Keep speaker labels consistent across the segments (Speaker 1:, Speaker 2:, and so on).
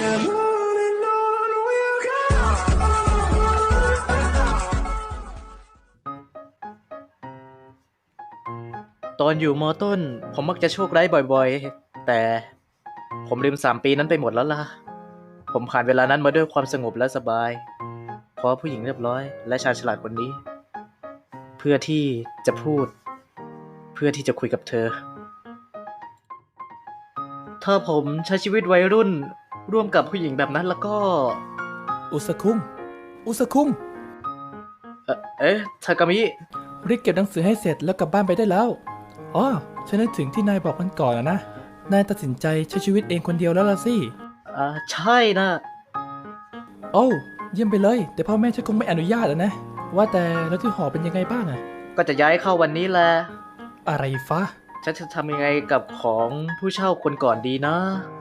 Speaker 1: And on we'll go.
Speaker 2: ตอนอยู่ม.ต้นผมมักจะโชคร้ายบ่อยๆ แต่ผมลืม3 ปีนั้นไปหมดแล้วล่ะ ผมผ่านเวลานั้นมาด้วยความสงบและสบายเพราะผู้หญิงเรียบร้อยและชาญฉลาดคนนี้ เพื่อที่จะพูด เพื่อที่จะคุยกับเธอ ถ้าผมใช้ชีวิตวัยรุ่นร่วมกับผู้หญิงแบบนั้นแล้วก็
Speaker 3: อุสคุงอุสคุง
Speaker 2: ทากามิ
Speaker 3: รีบเก็บหนังสือให้เสร็จแล้วกลับบ้านไปได้แล้วอ๋อฉันนึกถึงที่นายบอกมันก่อนนะนายตัดสินใจใช้ชีวิตเองคนเดียวแล้วล่ะสิ
Speaker 2: ใช่นะ
Speaker 3: โอ้เยี่ยมไปเลยแต่พ่อแม่ฉันคงไม่อนุญาตนะว่าแต่แล้วที่หอเป็นยังไงบ้างอะ
Speaker 2: ก็จะย้ายเข้าวันนี้แหละ
Speaker 3: อะไรฟ้า
Speaker 2: ฉันจะทำยังไงกับของผู้เช่าคนก่อนดีนะ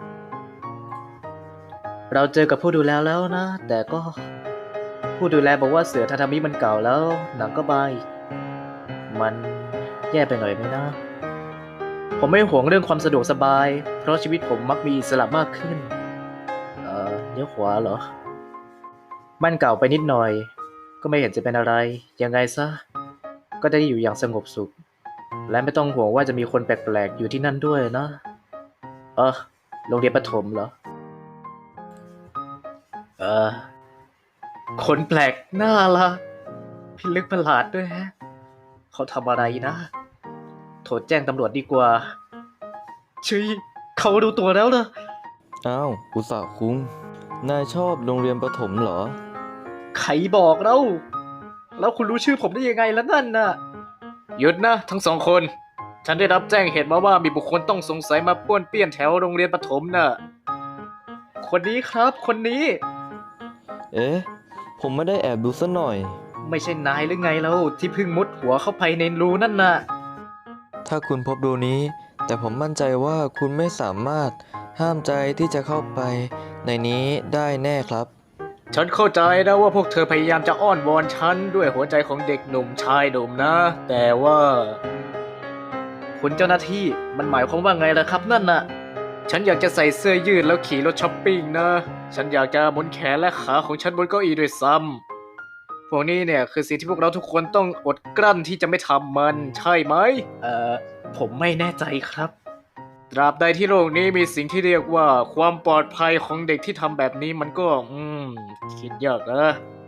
Speaker 2: เราเจอกับผู้ดูแลแล้วนะ แต่ก็ผู้ดูแลบอกว่าเสือทาทามิมันเก่าแล้วหนังก็บายมันแย่ไปหน่อยไหมนะ ผมไม่ห่วงเรื่องความสะดวกสบายเพราะชีวิตผมมักมีอิสระมากขึ้นเลี้ยวขวาเหรอบ้านเก่าไปนิดหน่อยก็ไม่เห็นจะเป็นอะไรยังไงซะก็ได้อยู่อย่างสงบสุขและไม่ต้องห่วงว่าจะมีคนแปลกๆอยู่ที่นั่นด้วยนะโรงเรียนประถมเหรอคนแปลกหน้าละพิลึกประหลาดด้วยฮะเขาทำอะไรนะโทรแจ้งตำรวจดีกว่าเขารู้ตัวแล้วนะ
Speaker 4: อ้าวอุตสาหคุงนายชอบโรงเรียนประถมเหรอ
Speaker 2: ใครบอกเราแล้วคุณรู้ชื่อผมได้ยังไงแล้วนั่นน่ะหยุดนะทั้ง2 คนฉันได้รับแจ้งเหตุมาว่ามีบุคคลต้องสงสัยมาป้วนเปี้ยนแถวโรงเรียนประถมน่ะคนนี้ครับคนนี้
Speaker 4: เอ๊ะผมไม่ได้แอบดูซะหน่อย
Speaker 2: ไม่ใช่นายหรือไงแล้วที่เพิ่งมุดหัวเข้าไปในรูนั่นน่ะ
Speaker 4: ถ้าคุณพบรูนี้แต่ผมมั่นใจว่าคุณไม่สามารถห้ามใจที่จะเข้าไปในนี้ได้แน่ครับ
Speaker 2: ฉันเข้าใจนะว่าพวกเธอพยายามจะอ้อนวอนฉันด้วยหัวใจของเด็กหนุ่มชายหนุ่มนะแต่ว่าคุณเจ้าหน้าที่มันหมายความว่าไงล่ะครับนั่นน่ะฉันอยากจะใส่เสื้อยืดแล้วขี่รถช้อปปิ้งนะฉันอยากจะหมุนแขนและขาของฉันบนเก้าอี้ด้วยซ้ำพวกนี้เนี่ยคือสิ่งที่พวกเราทุกคนต้องอดกลั้นที่จะไม่ทำมันใช่ไหมผมไม่แน่ใจครับตราบใดที่โลกนี้มีสิ่งที่เรียกว่าความปลอดภัยของเด็กที่ทำแบบนี้มันก็คิดยากนะ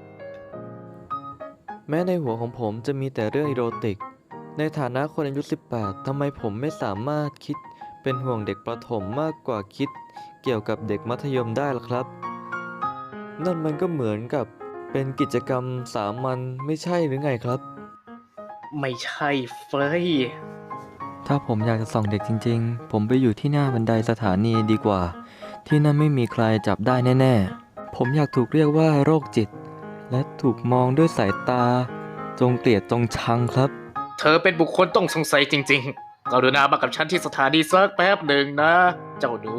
Speaker 4: แม้ในหัวของผมจะมีแต่เรื่องอีโรติกในฐานะคนอายุ18ทำไมผมไม่สามารถคิดเป็นห่วงเด็กประถมมากกว่าคิดเกี่ยวกับเด็กมัธยมได้ล่ะครับนั่นมันก็เหมือนกับเป็นกิจกรรมสามัญไม่ใช่หรือไงครับ
Speaker 2: ไม่ใช่เฟย
Speaker 4: ถ้าผมอยากจะส่องเด็กจริงๆผมไปอยู่ที่หน้าบันไดสถานีดีกว่าที่นั่นไม่มีใครจับได้แน่ๆผมอยากถูกเรียกว่าโรคจิตและถูกมองด้วยสายตาจงเกลียดจงชังครับ
Speaker 2: เธอเป็นบุคคลต้องสงสัยจริงๆกรุณามากับฉันที่สถานีสักแป๊บหนึ่งนะเจ้าหนู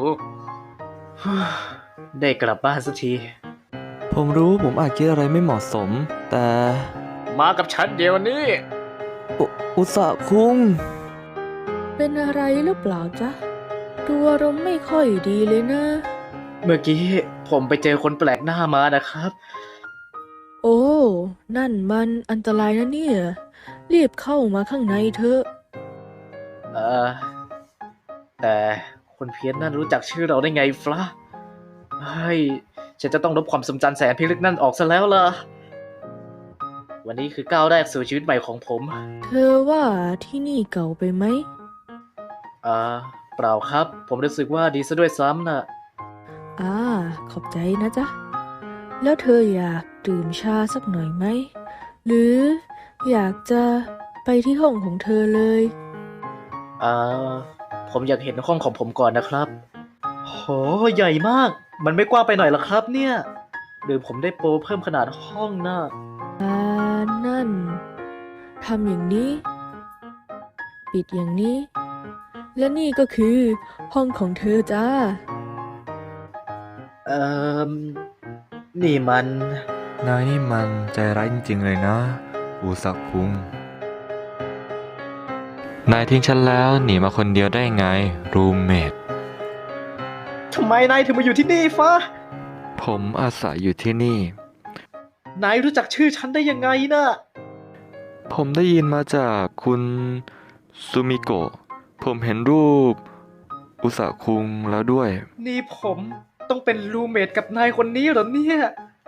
Speaker 2: ได้กลับบ้านสักที
Speaker 4: ผมรู้ผมอาจคิดอะไรไม่เหมาะสมแต่
Speaker 2: มากับฉันเดี๋ยวนี้
Speaker 4: อุตสาคุง
Speaker 5: เป็นอะไรหรือเปล่าจ๊ะดูอารมณ์ไม่ค่อยดีเลยนะ
Speaker 2: เมื่อกี้ผมไปเจอคนแปลกหน้ามานะครับ
Speaker 5: โอ้นั่นมันอันตรายนะเนี่ยรีบเข้ามาข้างในเถอะ
Speaker 2: แต่คนเพี้ยนนั่นรู้จักชื่อเราได้ไงฟะฉันจะต้องลบความทรงจำแสนพิลึกนั่นออกซะแล้วล่ะวันนี้คือก้าวแรกสู่ชีวิตใหม่ของผม
Speaker 5: เธอว่าที่นี่เก่าไปไหม
Speaker 2: เปล่าครับผมรู้สึกว่าดีซะด้วยซ้ำน่ะ
Speaker 5: ขอบใจนะจ๊ะแล้วเธออยากดื่มชาสักหน่อยไหมหรืออยากจะไปที่ห้องของเธอเลย
Speaker 2: ผมอยากเห็นห้องของผมก่อนนะครับโหใหญ่มากมันไม่กว้างไปหน่อยหรอครับเนี่ยหรือผมได้โปรเพิ่มขนาดห้องน่ะ
Speaker 5: นั่นทำอย่างนี้ปิดอย่างนี้และนี่ก็คือห้องของเธอจ้า
Speaker 2: นี่มัน
Speaker 4: นายนี่มันใจร้ายจริงๆเลยนะอุสักคุงนายทิ้งฉันแล้วหนีมาคนเดียวได้ไงรูมเมท
Speaker 2: เทำไมนายถึงมาอยู่ที่นี่ฟ้า
Speaker 4: ผมอาศัยอยู่ที่นี่
Speaker 2: นายรู้จักชื่อฉันได้ยังไงนะ
Speaker 4: ผมได้ยินมาจากคุณซูมิโกะ ผมเห็นรูปอุสาคุงแล้วด้วย
Speaker 2: นี่ผมต้องเป็นรูเมทกับนายคนนี้เหรอเนี่ย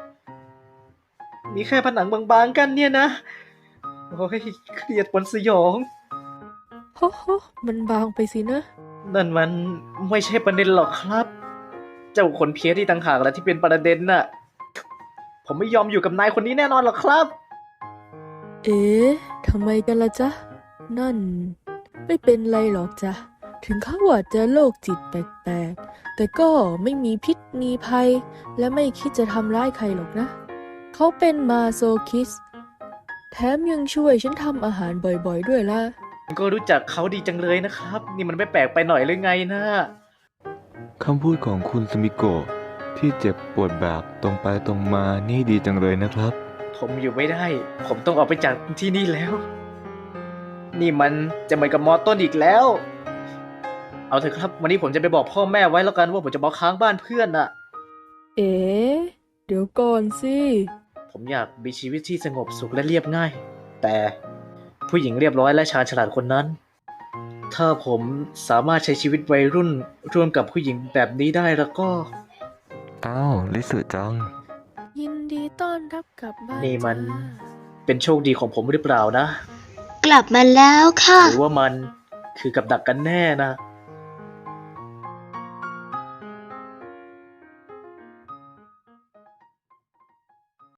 Speaker 2: มีแค่ผนังบางๆกันเนี่ยนะ โอ้ยเครียดปนสยอง
Speaker 5: โฮโฮมันบางไปสินะ
Speaker 2: นั่นมันไม่ใช่ประเด็นหรอกครับ เจ้าคนเพี้ยที่ต่างหากแหละที่เป็นประเด็นน่ะ ผมไม่ยอมอยู่กับนายคนนี้แน่นอนหรอกครับ
Speaker 5: เอ๊ะทำไมกันล่ะจ๊ะ นั่น ไม่เป็นไรหรอกจ๊ะ ถึงเขาอาจจะโรคจิตแปลกๆ แต่ก็ไม่มีพิษมีภัย และไม่คิดจะทำร้ายใครหรอกนะ เขาเป็นมาโซคิสต์แถมยังช่วยฉันทำอาหารบ่อยๆด้วยล่ะ
Speaker 2: ก็รู้จักเขาดีจังเลยนะครับ นี่มันไม่แปลกไปหน่อยหรือไงนะ
Speaker 6: คำพูดของคุณสมิโกะที่เจ็บปวดแบบตรงไปตรงมานี่ดีจังเลยนะครับ
Speaker 2: ผมอยู่ไม่ได้ ผมต้องออกไปจากที่นี่แล้ว นี่มันจะเหมือนกับมอต้นอีกแล้ว เอาเถอะครับ วันนี้ผมจะไปบอกพ่อแม่ไว้แล้วกันว่าผมจะมาค้างบ้านเพื่อนน่ะ
Speaker 5: เอ๊ะเดี๋ยวก่อนสิ
Speaker 2: ผมอยากมีชีวิตที่สงบสุขและเรียบง่าย แต่ผู้หญิงเรียบร้อยและชาญฉลาดคนนั้น ถ้าผมสามารถใช้ชีวิตวัยรุ่นร่วมกับผู้หญิงแบบนี้ได้แล้วก็
Speaker 6: อ้าวลิสึจัง
Speaker 5: ยินดีต้อนรับกลับบ้าน
Speaker 2: นี่มัน
Speaker 5: จ้า
Speaker 2: เป็นโชคดีของผมหรือเปล่านะ
Speaker 7: กลับมาแล้วค่ะ
Speaker 2: หรือว่ามันคือกับดักกันแน่นะ